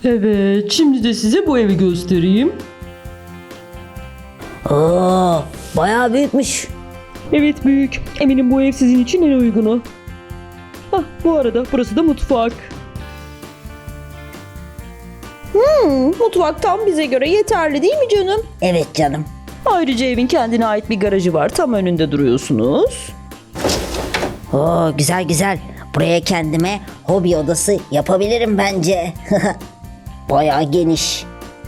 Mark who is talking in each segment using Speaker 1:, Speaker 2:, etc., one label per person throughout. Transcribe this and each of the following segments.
Speaker 1: Evet, şimdi de size bu evi göstereyim.
Speaker 2: Oo, bayağı büyükmüş.
Speaker 1: Evet büyük. Eminim bu ev sizin için en uygunu. Bu arada burası da mutfak. Mutfak tam bize göre yeterli değil mi canım?
Speaker 2: Evet canım.
Speaker 1: Ayrıca evin kendine ait bir garajı var. Tam önünde duruyorsunuz.
Speaker 2: Oo, güzel güzel. Buraya kendime hobi odası yapabilirim bence. Bayağı geniş.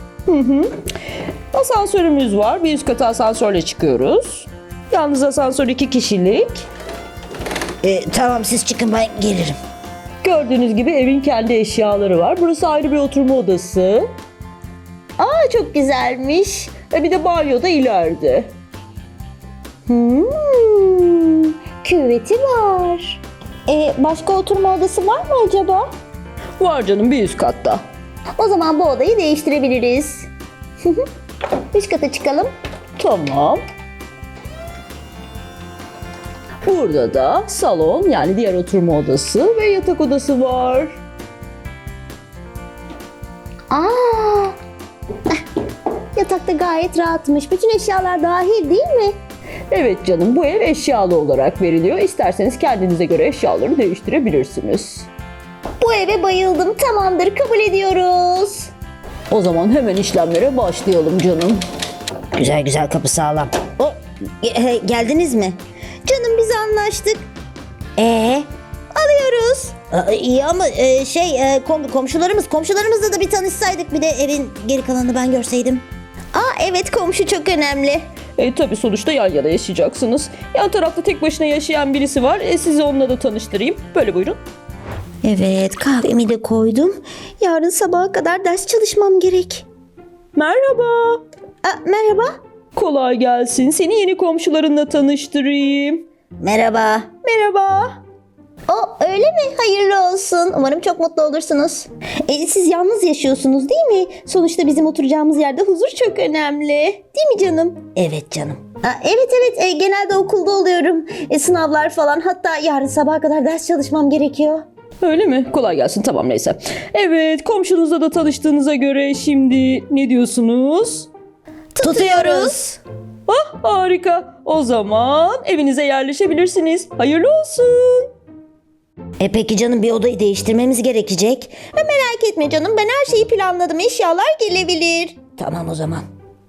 Speaker 1: Asansörümüz var. Bir üst kata asansörle çıkıyoruz. Yalnız asansör 2 kişilik.
Speaker 2: Tamam siz çıkın ben gelirim.
Speaker 1: Gördüğünüz gibi evin kendi eşyaları var. Burası ayrı bir oturma odası. Çok güzelmiş. Bir de banyo da ileride.
Speaker 3: Küveti var. Başka oturma odası var mı acaba?
Speaker 1: Var canım, bir üst katta.
Speaker 3: O zaman bu odayı değiştirebiliriz. Üst kata çıkalım.
Speaker 1: Tamam. Burada da salon, yani diğer oturma odası ve yatak odası var.
Speaker 3: Yatakta gayet rahatmış. Bütün eşyalar dahil değil mi?
Speaker 1: Evet canım, bu ev eşyalı olarak veriliyor. İsterseniz kendinize göre eşyaları değiştirebilirsiniz.
Speaker 3: Bu eve bayıldım. Tamamdır, kabul ediyoruz.
Speaker 1: O zaman hemen işlemlere başlayalım canım.
Speaker 2: Güzel güzel, kapı sağlam. Geldiniz mi?
Speaker 3: Canım biz anlaştık.
Speaker 2: Alıyoruz. İyi ama komşularımızla da bir tanışsaydık, bir de evin geri kalanını ben görseydim.
Speaker 3: Evet, komşu çok önemli.
Speaker 1: Tabii sonuçta yan yana yaşayacaksınız. Yan tarafta tek başına yaşayan birisi var. Sizi onunla da tanıştırayım. Böyle buyurun.
Speaker 3: Evet, kahvemi de koydum. Yarın sabaha kadar ders çalışmam gerek.
Speaker 1: Merhaba.
Speaker 3: Merhaba.
Speaker 1: Kolay gelsin. Seni yeni komşularınla tanıştırayım.
Speaker 2: Merhaba.
Speaker 3: Merhaba. Öyle mi? Hayırlı olsun. Umarım çok mutlu olursunuz. Siz yalnız yaşıyorsunuz değil mi? Sonuçta bizim oturacağımız yerde huzur çok önemli. Değil mi canım?
Speaker 2: Evet canım.
Speaker 3: Evet. Genelde okulda oluyorum. Sınavlar falan. Hatta yarın sabaha kadar ders çalışmam gerekiyor.
Speaker 1: Öyle mi? Kolay gelsin. Tamam neyse. Evet, komşunuzla da tanıştığınıza göre şimdi ne diyorsunuz?
Speaker 3: Tutuyoruz.
Speaker 1: Harika. O zaman evinize yerleşebilirsiniz. Hayırlı olsun.
Speaker 2: Peki canım, bir odayı değiştirmemiz gerekecek.
Speaker 3: Merak etme canım. Ben her şeyi planladım. Eşyalar gelebilir.
Speaker 2: Tamam o zaman.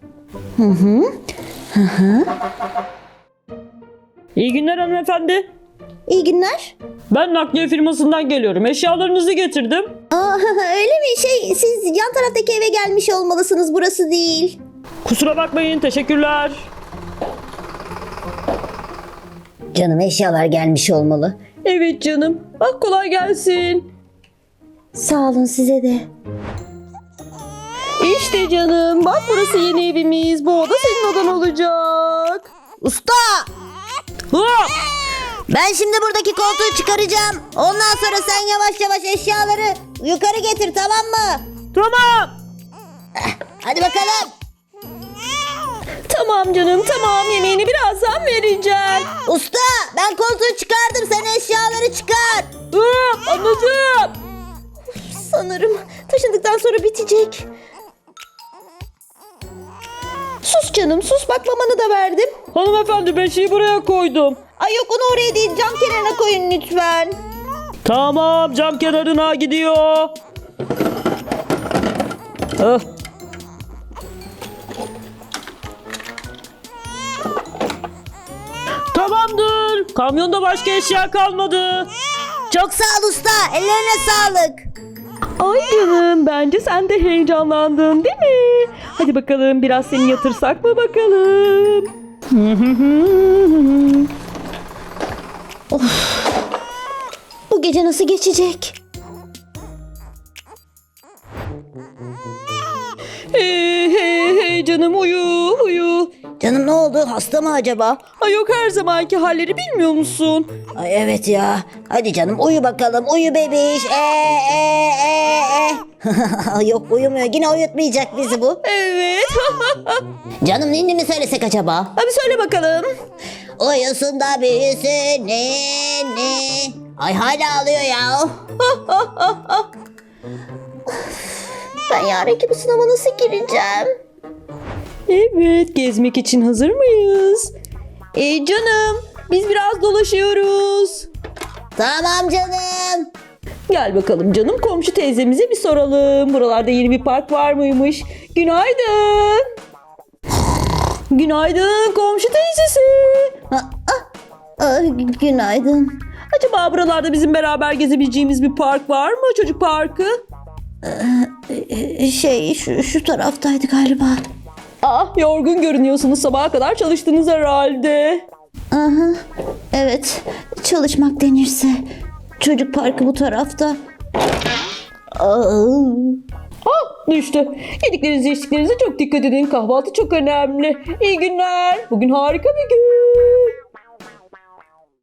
Speaker 1: İyi günler hanımefendi.
Speaker 3: İyi günler.
Speaker 1: Ben nakliye firmasından geliyorum. Eşyalarınızı getirdim.
Speaker 3: Öyle mi? Siz yan taraftaki eve gelmiş olmalısınız. Burası değil.
Speaker 1: Kusura bakmayın. Teşekkürler.
Speaker 2: Canım, eşyalar gelmiş olmalı.
Speaker 1: Evet canım. Kolay gelsin.
Speaker 3: Sağ olun, size de.
Speaker 1: İşte canım. Bak burası yeni evimiz. Bu oda senin odan olacak.
Speaker 2: Usta! Ben şimdi buradaki koltuğu çıkaracağım. Ondan sonra sen yavaş yavaş eşyaları yukarı getir, tamam mı?
Speaker 1: Tamam.
Speaker 2: Hadi bakalım.
Speaker 1: Tamam canım, tamam. Yemeğini birazdan vereceğim.
Speaker 2: Usta, ben koltuğu çıkardım, sen eşyaları çıkar.
Speaker 1: Anladım.
Speaker 3: Sanırım taşındıktan sonra bitecek. Sus canım, sus. Bak, mamanı da verdim.
Speaker 1: Hanımefendi, beşiği buraya koydum.
Speaker 3: Yok, onu oraya değil, cam kenarına koyun lütfen.
Speaker 1: Tamam, cam kenarına gidiyor. Tamamdır. Kamyonda başka eşya kalmadı.
Speaker 2: Çok sağ ol usta, ellerine sağlık.
Speaker 1: Ay canım, bence sen de heyecanlandın değil mi? Hadi bakalım, biraz seni yatırsak mı bakalım?
Speaker 3: Bu gece nasıl geçecek?
Speaker 1: Hey canım, uyu.
Speaker 2: Canım, ne oldu, hasta mı acaba?
Speaker 1: Ay yok, her zamanki halleri bilmiyor musun?
Speaker 2: Ay evet ya. Hadi canım, uyu bakalım, uyu bebiş. Yok, uyumuyor, yine uyutmayacak bizi bu.
Speaker 1: Evet.
Speaker 2: Canım, ninni mi söylesek acaba?
Speaker 1: Hadi söyle bakalım.
Speaker 2: Uyusun da büyüsün ninni. Ay hala ağlıyor ya.
Speaker 3: Ben yarınki bu sınava nasıl gireceğim?
Speaker 1: Evet, gezmek için hazır mıyız? Canım, biz biraz dolaşıyoruz.
Speaker 2: Tamam canım.
Speaker 1: Gel bakalım canım, komşu teyzemize bir soralım. Buralarda yeni bir park var mıymış? Günaydın. Günaydın komşu teyzesi.
Speaker 2: Günaydın.
Speaker 1: Acaba buralarda bizim beraber gezebileceğimiz bir park var mı? Çocuk parkı?
Speaker 2: Şu taraftaydı galiba.
Speaker 1: Yorgun görünüyorsunuz. Sabaha kadar çalıştınız herhalde.
Speaker 2: Aha, evet, çalışmak denirse. Çocuk parkı bu tarafta.
Speaker 1: Düştü. Yediklerinize içtiklerinize çok dikkat edin. Kahvaltı çok önemli. İyi günler. Bugün harika bir gün.